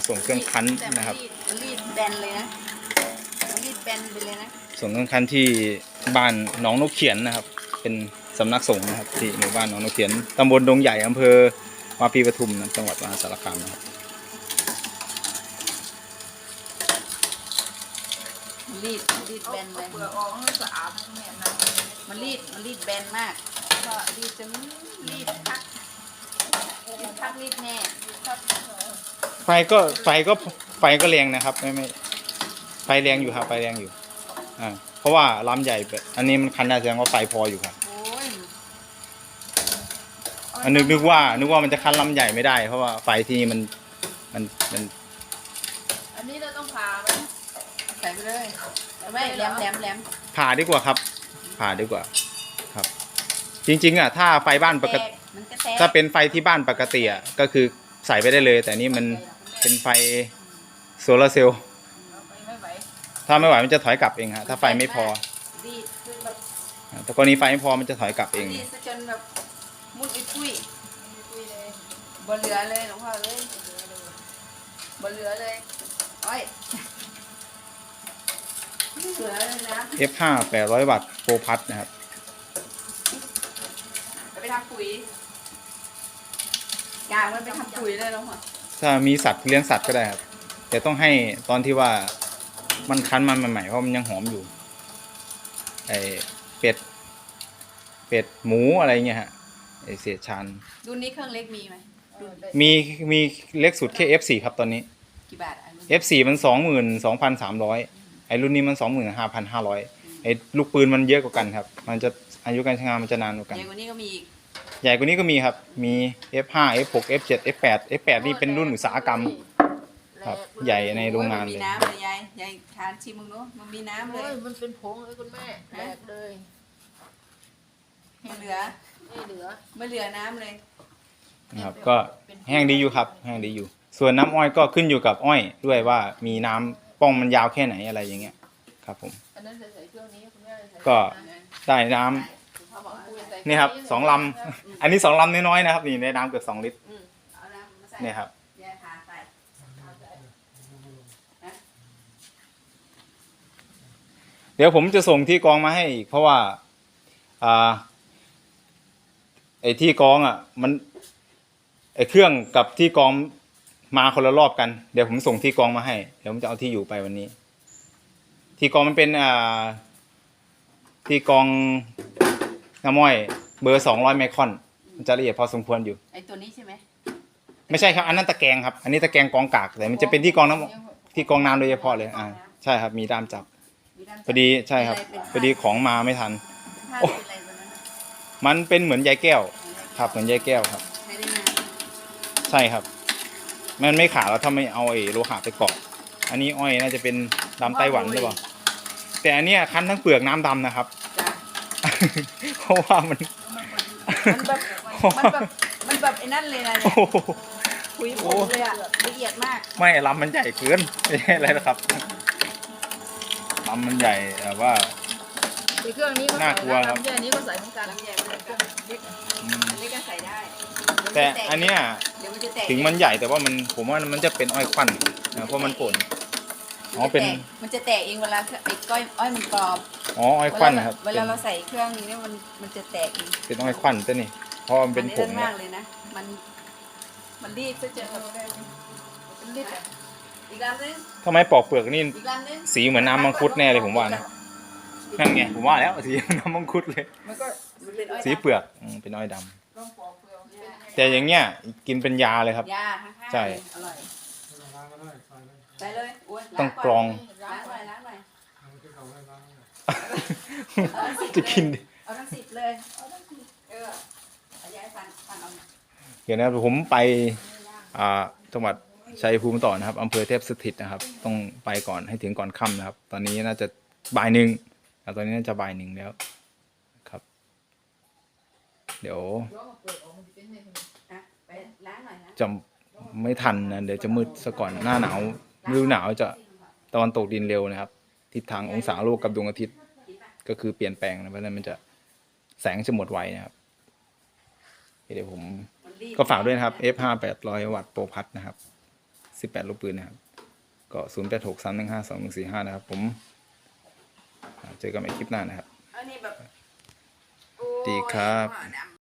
ส่งเครื่องคั้นนะครับรีดแบนเลยนะรีดแบนไปเลยนะส่งเครื่องคั้นที่บ้านหนองนกเขียนนะครับเป็นสำนักสงฆ์นะครับที่หมู่บ้านหนองนกเขียนตำบลดงใหญ่อำเภอวาปีปทุมนะจังหวัดมหาสารคามนะครับรีดแบนเลยเปลือกออกให้สะอาดแม่นะมันรีดแบนมากก็รีดจนรีดพักรีดแน่ไฟก็แรงนะครับไม่ไฟแรงอยู่ครับไฟแรงอยู่เพราะว่าลำใหญ่อันนี้มันคันได้แสดงว่าไฟพออยู่ครับนึกว่ามันจะคันลำใหญ่ไม่ได้เพราะว่าไฟที่นี่มันอันนี้เราต้องผ่าไหมใส่ไปเลยไม่แหลมผ่าดีกว่าครับผ่าดีกว่าครับจริงๆถ้าไฟบ้านปกติถ้าเป็นไฟที่บ้านปกติก็คือใส่ไปได้เลยแต่นี่มันเป็นไฟโซลาร์เซลล์ถ้าไม่ไหวมันจะถอยกลับเองฮะถ้าไฟไม่พอแต่กรณีไฟไม่พอมันจะถอยกลับเองจนแบบมุดปุ้ยบ่เหลือเลยหลวงพ่อเลยบ่เหลือเลยโอ้ยเหลือเลยนะ F5 800 วัตต์โปรพัทนะครับไปทำปุ๋ยกางมันไปทำปุ๋ยเลยหลวงพ่อถ้ามีสัตว์เลี้ยงสัตว์ก็ได้ครับแต่ต้องให้ตอนที่ว่ามันคั้นมันใหม่ๆเพราะมันยังหอมอยู่ไอเป็ดหมูอะไรเงี้ยฮะไอเศษชันรุ่นนี้เครื่องเล็กมีไหมมีเล็กสุดแค่ F4 ครับตอนนี้กี่บาท F4 มัน 22,300ไอรุ่นนี้มัน 25,500ไอลูกปืนมันเยอะกว่ากันครับมันจะอายุการใช้งานมันจะนานกว่ากันใหญ่กว่านี้ก็มีอีกใหญ่กว่านี้ก็มีครับมี F5 F6 F7 F8 นี่เป็นรุ่นอุตสาหกรรมครับใหญ่ในโรงงานเลยมีน้ำเลยยายทานชิมมึงเนาะมันมีน้ำเลยมันเป็นผงเลยคุณแม่แหลกเลยไม่เหลือน้ำเลยนะครับก็แห้งดีอยู่ครับแห้งดีอยู่ส่วนน้ำอ้อยก็ขึ้นอยู่กับอ้อยด้วยว่ามีน้ำป้องมันยาวแค่ไหนอะไรอย่างเงี้ยครับผมก็ได้น้ำนี่ครับ2 ลำอันนี้2 ลำน้อยๆนะครับนี่ได้น้ำเกือบ2 ลิตรนี่ครับเดี๋ยวผมจะส่งที่กองมาให้อีกเพราะว่าไอ้ที่กองมันไอ้เครื่องกับที่กองมาคนละรอบกันเดี๋ยวผมส่งที่กองมาให้เดี๋ยวผมจะเอาที่อยู่ไปวันนี้ที่กองมันเป็นที่กองน้ำอ้อยเบอร์200 ไมครอนมันจะละเอียดพอสมควรอยู่ไอ้ตัวนี้ใช่ไหมไม่ใช่ครับอันนั้นตะแกรงครับอันนี้ตะแกรงกองกากแต่มันจะเป็นที่กองน้ำโดยเฉพาะเลยใช่ครับมีด้ามจับพอดีใช่ครับพอดีของมาไม่ทันมันเป็นเหมือนใยแก้วครับเหมือนใยแก้วครับใช่ครับมันไม่ขาดแล้วถ้าไม่เอาไอ้โลหะไปเกาะอันนี้อ้อยน่าจะเป็นดำไต้หวันหรือเปล่าแต่อันเนี้ยคั้นทั้งเปลือกน้ำดำนะครับเพราะว่ามันแบบไอ้นั่นเลยนะคุยผมเลยละเอียดมากไม่ลำมันใหญ่เกินไม่ใช่อะไรนะครับลำมันใหญ่แต่ว่าเครื่องนี้ก็น่ากลัวครับอันนี้ก็ใส่เหมือนกันลำใหญ่เหมือนกันอันนี้ก็ใส่ได้แต่อันเนี้ยถึงมันใหญ่แต่ว่าผมว่ามันจะเป็นอ้อยควันนะเพราะมันป่นเป็นมันจะแตกเองเวลาไอ้ก้อยอ้อยมันกรอบอ้อยควันนะครับเวลาเราใส่เครื่องนี้เนี่ยมันจะแตกเองเป็นอ้อยควันตัวนี้เพราะมันเป็นผงมากเลยนะมันรีดซะเจอมันรีดอีกลำนึงทำไมปอกเปลือกนี่สีเหมือนน้ำมังคุดแน่เลยผมว่านะนั่นไงผมว่าแล้วสีน้ำมังคุดเลยสีเปลือกเป็นอ้อยดำแต่อย่างเงี้ยกินเป็นยาเลยครับใช่ไปเลยต้องกรองล้างหน่อยจะกินเอาทั้ง10เลยย้ายฟันเอาเดี๋ยวนะผมไปจังหวัดชัยภูมิต่อนะครับอำเภอเทพสถิตนะครับต้องไปก่อนให้ถึงก่อนค่ำนะครับตอนนี้น่าจะบ่าย 1ตอนนี้น่าจะบ่าย 1แล้วครับเดี๋ยวจะไม่ทันนะเดี๋ยวจะมืดซะก่อนหน้าหนาวฤดูหนาวจะตะวันตกดินเร็วนะครับทิศทางองศาโลกกับดวงอาทิตย์ก็คือเปลี่ยนแปลงนะเพราะฉะนั้นมันจะแสงจะหมดไวนะครับเดี๋ยวผมก็ฝากด้วยนะครับ F5 800 วัตต์โปรพัทนะครับ 18 ลูกปืนนะครับก็0863152145นะครับผมเจอกันใหม่คลิปหน้านะครับอันนี้แบบดีครับโอ้ย